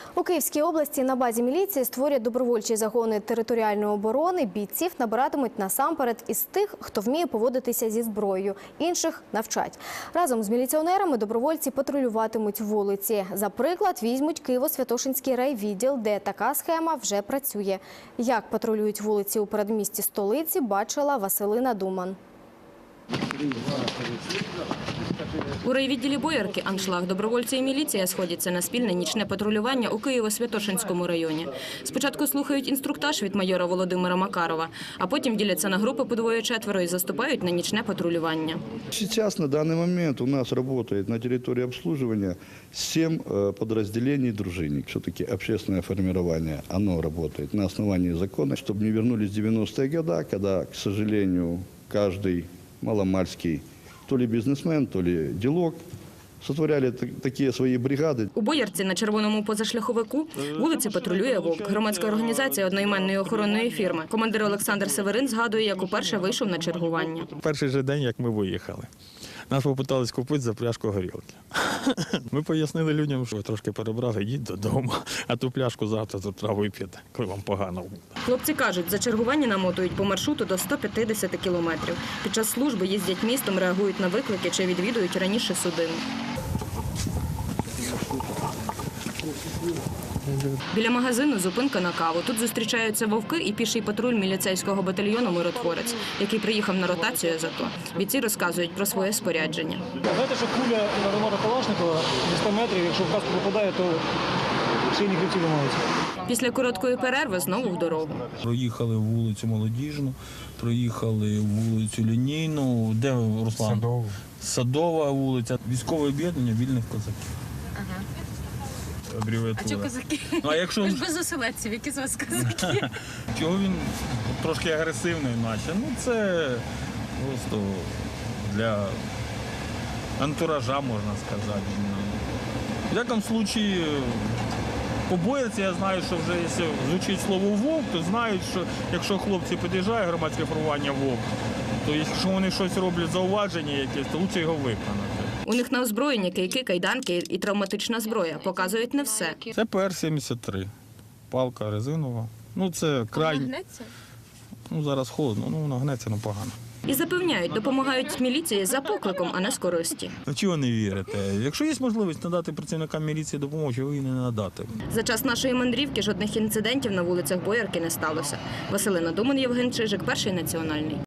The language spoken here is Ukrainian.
У Київській області на базі міліції створюють добровольчі загони територіальної оборони. Бійців набиратимуть насамперед із тих, хто вміє поводитися зі зброєю. Інших навчать. Разом з міліціонерами добровольці патрулюватимуть вулиці. За приклад візьмуть Києво-Святошинський райвідділ, де така схема вже працює. Як патрулюють вулиці у передмісті столиці, бачила Василина Думан. У райвідділі Боярки «Аншлаг» добровольці і міліція сходяться на спільне нічне патрулювання у Києво-Святошинському районі. Спочатку слухають інструктаж від майора Володимира Макарова, а потім діляться на групи по двоє-четверо і заступають на нічне патрулювання. Сейчас, на данный момент, у нас работает на территории обслуживания 7 подразделений «Дружинник». Все-таки общественное формирование, оно работает на основании закона, чтобы не вернулись 90-е годы, когда, к сожалению, каждый маломальский то ли бізнесмен, то ли ділок, сотворяли такі свої бригади. У Боярці на червоному позашляховику вулиці патрулює «Вовк» – громадська організація одноіменної охоронної фірми. Командир Олександр Северин згадує, як уперше вийшов на чергування. Перший же день, як ми виїхали, нас попитались купити за пляшку горілки. Ми пояснили людям, що ви трошки перебрали, йдіть додому, а ту пляшку завтра тут треба вип'єте, коли вам погано буде. Хлопці кажуть, за чергування намотують по маршруту до 150 кілометрів. Під час служби їздять містом, реагують на виклики чи відвідують раніше судину. Біля магазину зупинка на каву. Тут зустрічаються вовки і піший патруль міліцейського батальйону «Миротворець», який приїхав на ротацію з АТО. Бійці розказують про своє спорядження. Знаєте, що куля на Романа Калашникова зі 100 метрів, якщо в каску попадає, то шийні хребці ламаються. Після короткої перерви знову в дорогу. Проїхали вулицю Молодіжну, проїхали вулицю Лінійну, де Руслан? Садова вулиця, військове об'єднання вільних козаків. Ага. Абревіатура. А чого козаки? Ну, а якщо... Ви ж без оселедців, які з вас козаки? Чого він трошки агресивний наче? Ну це просто для антуража, можна сказати. В якому випадку по Боярці я знаю, що вже якщо звучить слово «Вовк», то знають, що якщо хлопці під'їжджають, громадське формування «Вовк», то якщо вони щось роблять зауваження якесь, то краще його виконати. У них на озброєнні кийки, кайданки і травматична зброя. Показують не все. Це ПР-73. Палка резинова. Ну це крайній. Гнеться? Ну зараз холодно, ну вона гнеться, ну погано. І запевняють, допомагають міліції за покликом, а не з користі. Ну чого не вірите? Якщо є можливість надати працівникам міліції допомогу, чого її не надати? За час нашої мандрівки жодних інцидентів на вулицях Боярки не сталося. Василина Думан, Євген Чижик, Перший національний.